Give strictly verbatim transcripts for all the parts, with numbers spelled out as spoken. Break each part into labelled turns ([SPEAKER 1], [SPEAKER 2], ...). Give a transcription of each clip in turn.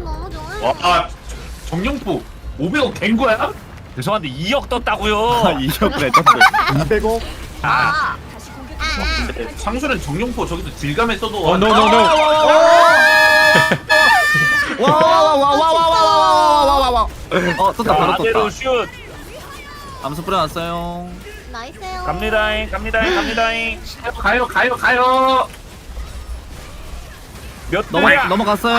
[SPEAKER 1] 너무 좋아요.
[SPEAKER 2] 와, 아, 정용포 오백 원 된 거야?
[SPEAKER 3] 죄송한데 이억
[SPEAKER 4] 아,
[SPEAKER 3] 떴다고요.
[SPEAKER 4] 이억 레전드.
[SPEAKER 5] 이백억.
[SPEAKER 1] 아,
[SPEAKER 2] 근데 상수는 정용포 저기서 질감에 써도
[SPEAKER 6] 어, 노, 노, 노.
[SPEAKER 4] 와와와와와와와와와와와. 어 떴다 바로
[SPEAKER 3] 아대로
[SPEAKER 4] 떴다.
[SPEAKER 3] 슛.
[SPEAKER 4] 암수 뿌려놨어요.
[SPEAKER 1] 나이스요.
[SPEAKER 3] 갑니다잉 갑니다잉 갑니다잉.
[SPEAKER 2] 가요 가요 가요.
[SPEAKER 3] 몇
[SPEAKER 4] 넘어
[SPEAKER 3] 대야?
[SPEAKER 4] 넘어갔어요.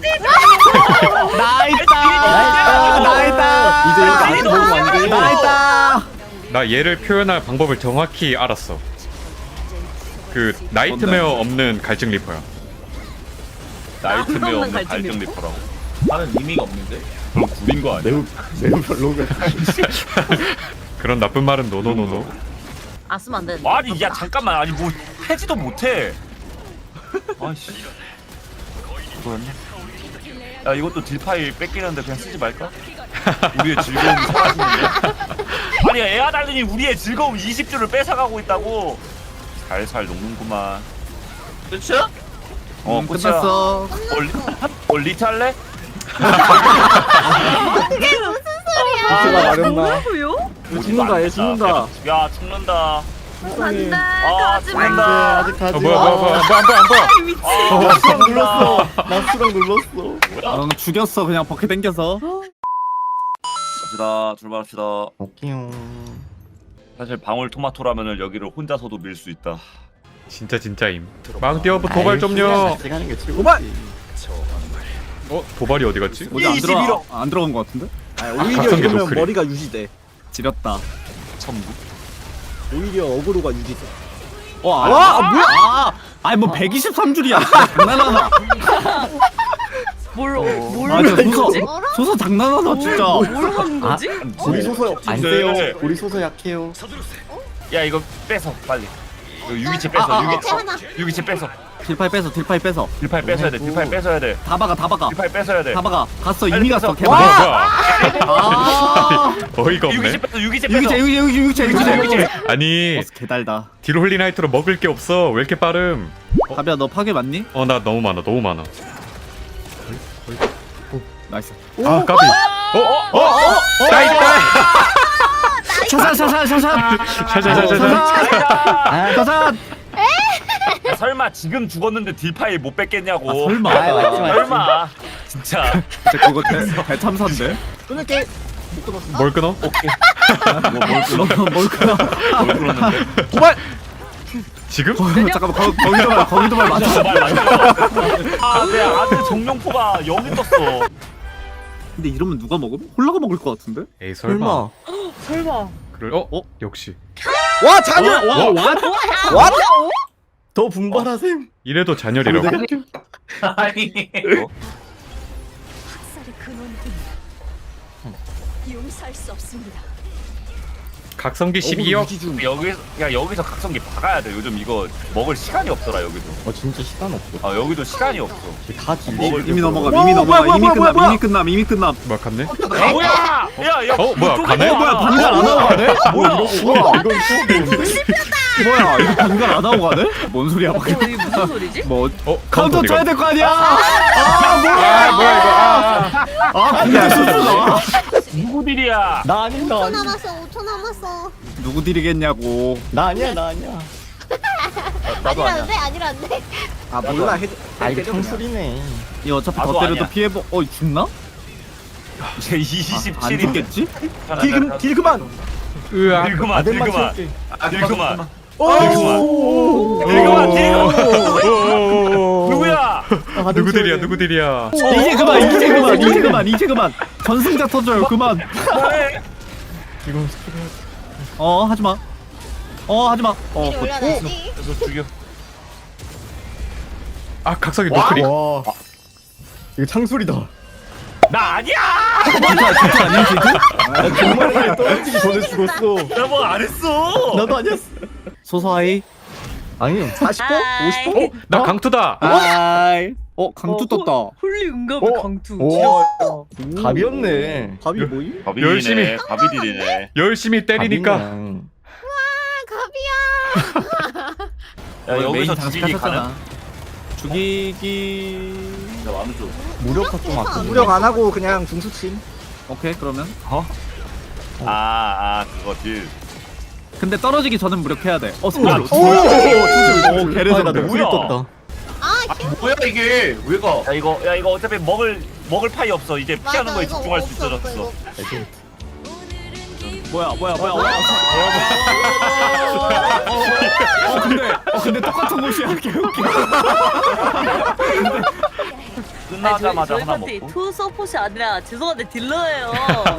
[SPEAKER 5] 나있다.
[SPEAKER 4] 나있다.
[SPEAKER 5] 이제 이렇게 안 먹으면 안 돼.
[SPEAKER 4] 나있다.
[SPEAKER 6] 나 얘를 표현할 방법을 정확히 알았어. 그 나이트메어 없는 갈증 리퍼야.
[SPEAKER 3] 나이트메어
[SPEAKER 7] 없는
[SPEAKER 3] 없는
[SPEAKER 7] 갈증
[SPEAKER 3] 갈증
[SPEAKER 7] 리퍼?
[SPEAKER 3] 리퍼라고.
[SPEAKER 2] 나는 의미가 없는데.
[SPEAKER 3] 그럼 구린 거 아니야?
[SPEAKER 5] 매우 매우 별로가.
[SPEAKER 6] 그런 나쁜 말은 노노노노.
[SPEAKER 7] 아 쓰면 안 되는데.
[SPEAKER 3] 아니 야 잠깐만 아니 뭐 해지도 못해. 아이씨. 이거였네. 야 이것도 딜 파일 뺏기는데 그냥 쓰지 말까? 우리의 즐거움이 사라지는데. 아니 에아달린이 우리의 즐거움 이십 주를 뺏어가고 있다고. 살살 녹는구만.
[SPEAKER 2] 그렇죠?
[SPEAKER 3] 어
[SPEAKER 4] 음,
[SPEAKER 3] 끝이야.
[SPEAKER 4] 끝났어.
[SPEAKER 3] 어, 리, 어 리트 할래?
[SPEAKER 5] 제가 말했나?
[SPEAKER 7] 뭐라고요?
[SPEAKER 5] 죽는다, 얘 죽는다.
[SPEAKER 3] 야 죽는다.
[SPEAKER 7] 안돼
[SPEAKER 3] 아,
[SPEAKER 7] 가지마.
[SPEAKER 3] 죽는다.
[SPEAKER 5] 아직 가지.
[SPEAKER 6] 어, 뭐야 뭐야 뭐야 뭐야 안 보여 안 보여.
[SPEAKER 7] 미친.
[SPEAKER 3] 아,
[SPEAKER 5] 나 수랑
[SPEAKER 3] 죽는다.
[SPEAKER 5] 눌렀어. 나 수랑 눌렀어.
[SPEAKER 4] 어, 죽였어 그냥 버킷 당겨서.
[SPEAKER 3] 갑시다. 출발합시다.
[SPEAKER 5] 오케이요.
[SPEAKER 3] 사실 방울토마토라면은 여기를 혼자서도 밀 수 있다.
[SPEAKER 6] 진짜 진짜임. 망디어브 도발 좀요.
[SPEAKER 5] 같이 가는 게 최고지.
[SPEAKER 4] 도발!
[SPEAKER 6] 어 도발이 어디 갔지?
[SPEAKER 4] 뭐지 안
[SPEAKER 3] 이십일 억.
[SPEAKER 4] 들어 안 들어간 것 같은데?
[SPEAKER 5] 아, 오히려
[SPEAKER 6] 각성기
[SPEAKER 5] 이러면
[SPEAKER 6] 노크리.
[SPEAKER 5] 머리가 유지돼.
[SPEAKER 4] 지렸다.
[SPEAKER 3] 천국.
[SPEAKER 5] 오히려 어그로가 유지돼.
[SPEAKER 4] 와, 아, 아, 뭐야? 아, 아니 뭐 백이십삼 줄이야. 장난하나?
[SPEAKER 7] 뭘,
[SPEAKER 3] 어.
[SPEAKER 7] 뭘
[SPEAKER 4] 아, 진짜
[SPEAKER 7] 하는
[SPEAKER 4] 소서,
[SPEAKER 7] 거지?
[SPEAKER 4] 소서 장난하나 진짜.
[SPEAKER 7] 뭘 하는 거지?
[SPEAKER 5] 우리 소서 안
[SPEAKER 3] 네.
[SPEAKER 5] 세요. 우리 소서 약해요.
[SPEAKER 3] 야 이거 뺏어 빨리. 이거 유기체 뺏어.
[SPEAKER 4] 아, 아,
[SPEAKER 3] 유기체.
[SPEAKER 1] 아, 하나.
[SPEAKER 3] 유기체 뺏어.
[SPEAKER 4] 딜파이 뺏어, 딜파이 뺏어.
[SPEAKER 3] 딜파이 뺏어야 돼. 딜파이 뺏어야 돼.
[SPEAKER 4] 다 박아, 다 박아.
[SPEAKER 3] 딜파이 뺏어야 돼.
[SPEAKER 4] 다 박아. 갔어,
[SPEAKER 3] 빨리
[SPEAKER 4] 이미
[SPEAKER 3] 뺏어.
[SPEAKER 4] 갔어.
[SPEAKER 6] 뭐야
[SPEAKER 4] 개발.
[SPEAKER 6] 뭐야
[SPEAKER 4] 아,
[SPEAKER 6] 어이가 없네.
[SPEAKER 3] 유기체 뺏어. 유기체 뺏어.
[SPEAKER 4] 유기체, 유기체, 유기체, 유기체, 유기체, 유기체.
[SPEAKER 6] 아니
[SPEAKER 4] 버스 개달다.
[SPEAKER 6] 딜홀리나이트로 먹을 게 없어. 왜 이렇게 빠름?
[SPEAKER 4] 가비야, 너 파괴 맞니?
[SPEAKER 6] 어 나 너무 많아 너무 많아.
[SPEAKER 4] 나이스.
[SPEAKER 6] 아 까비. 어어어 나이 나이.
[SPEAKER 4] 샤샷, 샤샷, 샤샷.
[SPEAKER 6] 샤샤샤샤.
[SPEAKER 4] 샤샷.
[SPEAKER 3] 야, 설마 지금 죽었는데 딜파이 못 뺏겠냐고.
[SPEAKER 4] 아, 설마.
[SPEAKER 5] 아, 맞지, 맞지.
[SPEAKER 3] 설마. 진짜.
[SPEAKER 4] 진짜 그거 대, 대참사인데?
[SPEAKER 5] 끊을게.
[SPEAKER 6] 뭘 끊어?
[SPEAKER 4] 뭘 끊어? 뭘 끊어?
[SPEAKER 3] 뭘 그러는데?
[SPEAKER 4] 도발!
[SPEAKER 6] 지금?
[SPEAKER 4] 잠깐만, 거, 거기도 말, 거기도 말 맞아.
[SPEAKER 3] 말 맞아. 아, 내 아들 정룡포가 여기 떴어.
[SPEAKER 4] 근데 이러면 누가 먹음? 홀라가 먹을 것 같은데?
[SPEAKER 6] 에이 설마.
[SPEAKER 5] 설마.
[SPEAKER 7] 설마.
[SPEAKER 6] 그래 어? 어? 역시.
[SPEAKER 5] 와 잔열.
[SPEAKER 4] 와, 와,
[SPEAKER 5] 와. 더 분발하셈.
[SPEAKER 6] 이래도 잔열이라고?
[SPEAKER 2] 아니.
[SPEAKER 8] 학살의 근원은 용서할 수 없습니다.
[SPEAKER 6] 각성기 십이억.
[SPEAKER 3] 여기서 야 여기서 각성기 박아야 돼. 요즘 이거 먹을 시간이 없더라 여기도.
[SPEAKER 5] 어 진짜 시간 없어.
[SPEAKER 3] 아 여기도 시간이 없어.
[SPEAKER 5] 다 딜.
[SPEAKER 3] 먹을
[SPEAKER 4] 이미
[SPEAKER 3] 때
[SPEAKER 4] 넘어가,
[SPEAKER 5] 뭐야,
[SPEAKER 4] 이미
[SPEAKER 5] 뭐야,
[SPEAKER 4] 넘어가,
[SPEAKER 5] 뭐야,
[SPEAKER 4] 이미
[SPEAKER 5] 뭐야,
[SPEAKER 4] 끝나,
[SPEAKER 5] 뭐야,
[SPEAKER 4] 이미 끝나, 이미 끝나.
[SPEAKER 6] 뭐야 갔네?
[SPEAKER 3] 아, 뭐야? 야야.
[SPEAKER 6] 어, 뭐야, 가네?
[SPEAKER 4] 뭐야, 반갈 안 하고 가네?
[SPEAKER 3] 뭐야?
[SPEAKER 5] 우와 이건 또
[SPEAKER 4] 뭐야, 이거 반갈 안 하고 가네? 뭔 소리야,
[SPEAKER 7] 어,
[SPEAKER 4] 방금.
[SPEAKER 7] 이게 무슨 소리지?
[SPEAKER 4] 뭐,
[SPEAKER 6] 어?
[SPEAKER 4] 카운터 쳐야
[SPEAKER 6] 이거.
[SPEAKER 4] 될 거 아니야? 아, 뭐야!
[SPEAKER 6] 아 뭐야 이거 아.
[SPEAKER 4] 아, 근데 실수다.
[SPEAKER 3] 누구 딜이야?
[SPEAKER 5] 나 아닌 나
[SPEAKER 1] 오 초
[SPEAKER 5] 아닌.
[SPEAKER 1] 남았어. 오 초 남았어.
[SPEAKER 4] 누구 딜이겠냐고.
[SPEAKER 5] 나 아니야 나 아니야.
[SPEAKER 3] 나도 아니야.
[SPEAKER 1] 아니라는데 아니라는데.
[SPEAKER 5] 아 몰라 해. 아 이거 창술이네.
[SPEAKER 4] 이 어차피
[SPEAKER 3] 나도
[SPEAKER 4] 더 때려도
[SPEAKER 3] 아니야.
[SPEAKER 4] 피해보. 어, 죽나?
[SPEAKER 3] 이제
[SPEAKER 4] 안
[SPEAKER 3] 이십칠인데.
[SPEAKER 4] 죽겠지?
[SPEAKER 5] 딜금 딜 그만.
[SPEAKER 6] 으아.
[SPEAKER 3] 딜 그만. 딜
[SPEAKER 5] 아들만
[SPEAKER 3] 그만.
[SPEAKER 5] 채울게.
[SPEAKER 3] 딜 그만.
[SPEAKER 5] 오.
[SPEAKER 3] 딜 그만. 딜 그만.
[SPEAKER 6] 오오오오오.
[SPEAKER 3] 누구야?
[SPEAKER 6] 누구 딜이야 누구 딜이야?
[SPEAKER 4] 이제 그만, 이제 그만, 이제 그만, 이제 그만. 전승자 터져요, 그만.
[SPEAKER 3] 그만해.
[SPEAKER 5] 이건 스킬 해야 돼.
[SPEAKER 4] 어, 하지 마. 어, 하지 마. 어,
[SPEAKER 1] 미리
[SPEAKER 4] 그-
[SPEAKER 1] 올려놔야지.
[SPEAKER 3] 그래서 죽여.
[SPEAKER 6] 아 각성기 노크리.
[SPEAKER 5] 와. 이거 창술이다.
[SPEAKER 3] 나 아니야.
[SPEAKER 4] 진짜, 진짜 아니야, 진짜?
[SPEAKER 5] 아 정말 떨어지기 전에 죽었어.
[SPEAKER 3] 나 뭐 안 했어.
[SPEAKER 5] 나도 아니었어.
[SPEAKER 4] 소소하이.
[SPEAKER 5] 아니 사십 번?
[SPEAKER 7] 아이.
[SPEAKER 5] 오십 번?
[SPEAKER 6] 나 강투다.
[SPEAKER 4] 아이. 어, 강투 떴다.
[SPEAKER 7] 홀리 응급
[SPEAKER 5] 어?
[SPEAKER 7] 강투.
[SPEAKER 5] 오. 갑이었네. 갑이 뭐임?
[SPEAKER 6] 열심히.
[SPEAKER 3] 가비딜이네.
[SPEAKER 6] 열심히 때리니까.
[SPEAKER 5] 갑이냐.
[SPEAKER 1] 아 갑이야.
[SPEAKER 3] 야
[SPEAKER 4] 어, 메인
[SPEAKER 3] 여기서
[SPEAKER 4] 장식
[SPEAKER 3] 죽이기
[SPEAKER 4] 하셨잖아.
[SPEAKER 3] 가능?
[SPEAKER 4] 죽이기.
[SPEAKER 3] 야 마음 좀.
[SPEAKER 5] 무력화 좀
[SPEAKER 1] 아,
[SPEAKER 5] 아껴.
[SPEAKER 1] 무력
[SPEAKER 5] 안 하고 그냥 중수침.
[SPEAKER 4] 오케이, 그러면.
[SPEAKER 3] 아아 그거 딜.
[SPEAKER 4] 근데 떨어지기 전엔 무력해야 돼. 어, 스포.
[SPEAKER 3] 야,
[SPEAKER 4] 오,
[SPEAKER 5] 진짜
[SPEAKER 4] 오, 개레전드.
[SPEAKER 5] 나 노크리
[SPEAKER 3] 뭐야?
[SPEAKER 5] 떴다.
[SPEAKER 1] 아 휴.
[SPEAKER 2] 뭐야 이게? 왜 가?
[SPEAKER 3] 야 이거 야 이거 어차피 먹을 먹을 파이 없어. 이제 피하는
[SPEAKER 1] 맞아,
[SPEAKER 3] 거에
[SPEAKER 1] 이거
[SPEAKER 3] 집중할 수
[SPEAKER 1] 없어,
[SPEAKER 3] 있어졌어.
[SPEAKER 1] 이거.
[SPEAKER 4] 뭐야, 뭐야, 뭐야, 뭐야. 어, 근데, 어, 근데 똑같은 곳이야. 개웃겨.
[SPEAKER 3] 끝나자마자
[SPEAKER 7] 저희
[SPEAKER 3] 하나
[SPEAKER 7] 파티
[SPEAKER 3] 먹고.
[SPEAKER 7] 투 서폿이 아니라 죄송한데 딜러예요.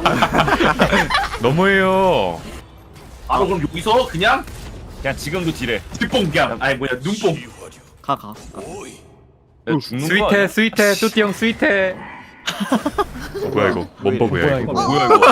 [SPEAKER 6] 너무해요.
[SPEAKER 2] 아 그럼 여기서 그냥
[SPEAKER 3] 그냥 지금도 딜해.
[SPEAKER 2] 뒷봉 그냥 아니 뭐야 눈뽕.
[SPEAKER 4] 가, 가.
[SPEAKER 3] 야, 죽는 거
[SPEAKER 6] 스윗해
[SPEAKER 3] 아니야?
[SPEAKER 6] 스윗해 뚜띠 형 스윗해. 뭐야 이거? 뭔 버그야
[SPEAKER 5] 뭐야,
[SPEAKER 6] 이거?
[SPEAKER 5] 이거?
[SPEAKER 3] 뭐야 이거?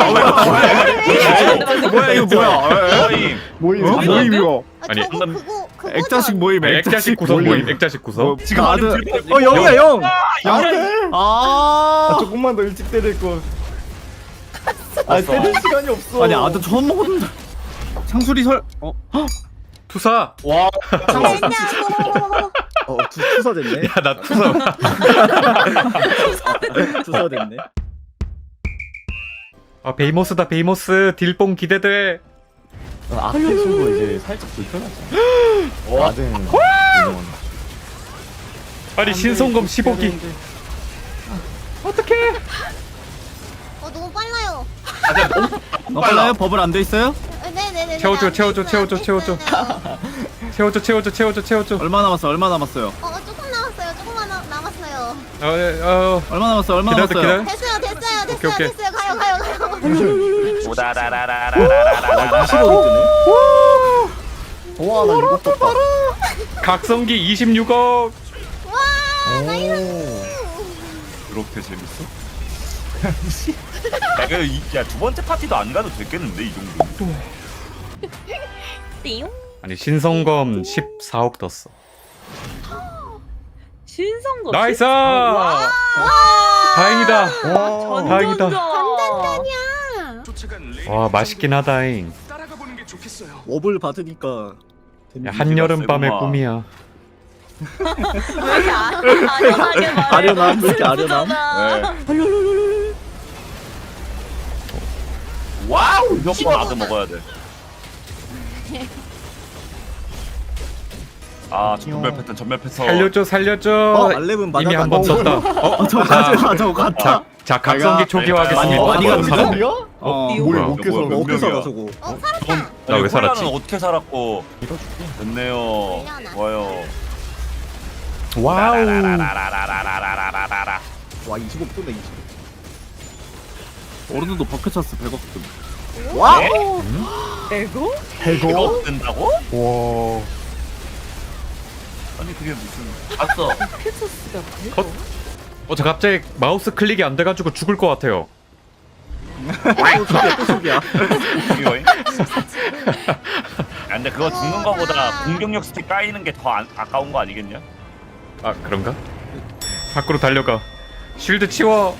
[SPEAKER 4] 뭐야, 이거 뭐야?
[SPEAKER 3] 거임.
[SPEAKER 5] 모임.
[SPEAKER 4] 어? 모임 이거.
[SPEAKER 1] 아,
[SPEAKER 6] 아니,
[SPEAKER 1] 저거 그거 그거.
[SPEAKER 4] 액자식 모임,
[SPEAKER 6] 액자식 구성 모임 액자식 구성.
[SPEAKER 3] 지금
[SPEAKER 4] 아,
[SPEAKER 3] 아들
[SPEAKER 4] 네.
[SPEAKER 5] 어 영이야 영.
[SPEAKER 3] 야,
[SPEAKER 4] 아,
[SPEAKER 5] 아 조금만 더 일찍 때릴 걸. 아 때릴 시간이 없어.
[SPEAKER 4] 아니, 아들 처음 먹었는데. 창술이 설, 어?
[SPEAKER 6] 투사.
[SPEAKER 2] 와.
[SPEAKER 1] 됐냐고.
[SPEAKER 5] 어 투, 투사 됐네.
[SPEAKER 6] 야 나 투사.
[SPEAKER 5] 투사 됐네.
[SPEAKER 6] 아 베이모스다 베이모스 딜뽕 기대돼.
[SPEAKER 5] 아크 친구 이제 살짝 불편하잖아. 나든.
[SPEAKER 6] 아니 신성검 십오 기. 어떡해?
[SPEAKER 1] 어 너무 빨라요.
[SPEAKER 4] 너 빨라요? 버블 안 돼 있어요?
[SPEAKER 1] 네네네.
[SPEAKER 6] 채워줘, 채워줘, 채워줘, 채워줘. 채워줘 채워줘 채워줘 채워줘.
[SPEAKER 4] 얼마 남았어? 얼마 남았어요?
[SPEAKER 1] 어 조금 남았어요. 조금만 남- 남았어요.
[SPEAKER 6] 어, 어
[SPEAKER 4] 얼마 남았어요? 얼마
[SPEAKER 6] 기다려
[SPEAKER 4] 남았어요?
[SPEAKER 6] 기다려.
[SPEAKER 1] 됐어요 됐어요 됐어요
[SPEAKER 6] 오케이, 오케이.
[SPEAKER 1] 됐어요. 가요 가요 가요.
[SPEAKER 3] 오다라라라라라라라.
[SPEAKER 5] 이십억이 뜨네. 와나 이거 떴다.
[SPEAKER 6] 각성기 이십육억.
[SPEAKER 1] 와 나이스.
[SPEAKER 3] 그렇게 재밌어? 야, 그 이- 야, 두 번째 파티도 안 가도 됐겠는데 이 정도.
[SPEAKER 7] 띠용.
[SPEAKER 6] 아니 신성검 십사억 떴어.
[SPEAKER 7] 신성거.
[SPEAKER 6] 나이스! 다행이다.
[SPEAKER 5] 와.
[SPEAKER 6] 다행이다.
[SPEAKER 1] 단단단이야.
[SPEAKER 6] 와 맛있긴 하다잉.
[SPEAKER 5] 업을 받으니까.
[SPEAKER 6] 야,
[SPEAKER 5] 데미지가
[SPEAKER 6] 한여름 밤의
[SPEAKER 3] 세구만.
[SPEAKER 6] 꿈이야.
[SPEAKER 7] 왜 이렇게 아- 아련하게 말해?
[SPEAKER 5] 아련함, 왜 이렇게 아련함?
[SPEAKER 7] 슬프잖아.
[SPEAKER 3] 네. 와우, 이거 나도 먹어야 돼. 아, 전멸 패턴, 전멸 패턴.
[SPEAKER 6] 살려줘 살려줘.
[SPEAKER 5] 어, 알렙은
[SPEAKER 6] 이미 한 번
[SPEAKER 5] 맞아가지고.
[SPEAKER 6] 떴다. 어,
[SPEAKER 5] 저
[SPEAKER 6] 자,
[SPEAKER 5] 가자 저거 갔다.
[SPEAKER 6] 자, 자 각성기
[SPEAKER 3] 많이
[SPEAKER 6] 초기화하겠습니다.
[SPEAKER 5] 많이
[SPEAKER 6] 어,
[SPEAKER 5] 갔는데?
[SPEAKER 6] 사람.
[SPEAKER 5] 우리가? 어.
[SPEAKER 7] 이거
[SPEAKER 6] 뭐야?
[SPEAKER 5] 어떻게 살아?
[SPEAKER 3] 몇
[SPEAKER 5] 어떻게 살아
[SPEAKER 3] 명이야?
[SPEAKER 5] 저거?
[SPEAKER 1] 어 살았다.
[SPEAKER 6] 나왜 살았지?
[SPEAKER 3] 콜라는 어떻게 살았고? 됐네요.
[SPEAKER 1] 밀려나.
[SPEAKER 3] 좋아요.
[SPEAKER 6] 와우.
[SPEAKER 3] 라라라라라라라라라라라.
[SPEAKER 5] 와 이십억 뜨네 이십억.
[SPEAKER 4] 어른들도 버켓 찬스 백억 뜸.
[SPEAKER 5] 와.
[SPEAKER 7] 에고?
[SPEAKER 3] 이거 뜬다고?
[SPEAKER 6] 와.
[SPEAKER 3] 아니 그게 무슨?
[SPEAKER 2] 봤어.
[SPEAKER 7] 캐서스가
[SPEAKER 6] 컷. 어, 저 갑자기 마우스 클릭이 안 돼가지고 죽을 것 같아요.
[SPEAKER 5] 또 속이야 또 속이야.
[SPEAKER 3] 이거잉? 야, 근데 그거 죽는 거보다 공격력 스틱 까이는 게 더 아까운 거 아니겠냐?
[SPEAKER 6] 아 그런가? 밖으로 달려가. 쉴드 치워.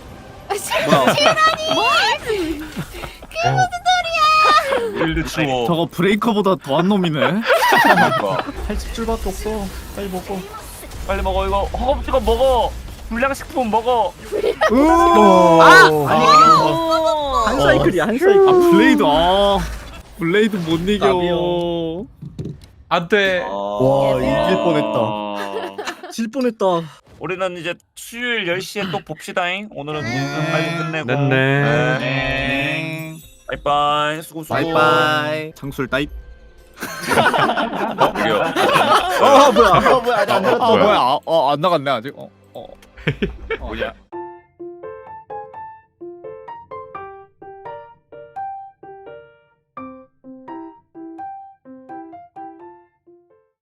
[SPEAKER 3] 일드 치워.
[SPEAKER 4] 저거 브레이커보다 더한 놈이네.
[SPEAKER 3] 그러니까.
[SPEAKER 5] 팔십 줄밖에 없어. 빨리 먹어.
[SPEAKER 3] 빨리 먹어 이거. 허겁지겁 먹어. 불량식품 먹어.
[SPEAKER 5] 아!
[SPEAKER 4] 아니
[SPEAKER 7] 오.
[SPEAKER 5] 한 사이클이야 한 사이클.
[SPEAKER 4] 아 블레이드 아 블레이드 못 이겨.
[SPEAKER 5] 나비요.
[SPEAKER 6] 안돼.
[SPEAKER 5] 와 이길 뻔했다. 질 뻔했다.
[SPEAKER 3] 우리는 이제 수요일 열 시에 또 봅시다잉. 오늘은
[SPEAKER 1] 네.
[SPEAKER 3] 빨리 끝내고.
[SPEAKER 6] 네네.
[SPEAKER 3] 네. 바이바이. 수고 수고.
[SPEAKER 5] 바이바이.
[SPEAKER 4] 장술 따입.
[SPEAKER 3] 어, 이거.
[SPEAKER 5] 어 뭐야? 어 뭐야? 아직 안
[SPEAKER 6] 어,
[SPEAKER 5] 나갔다.
[SPEAKER 6] 뭐야?
[SPEAKER 4] 아 뭐야? 아, 어, 안 나갔네 아직. 어. 어.
[SPEAKER 3] 뭐냐?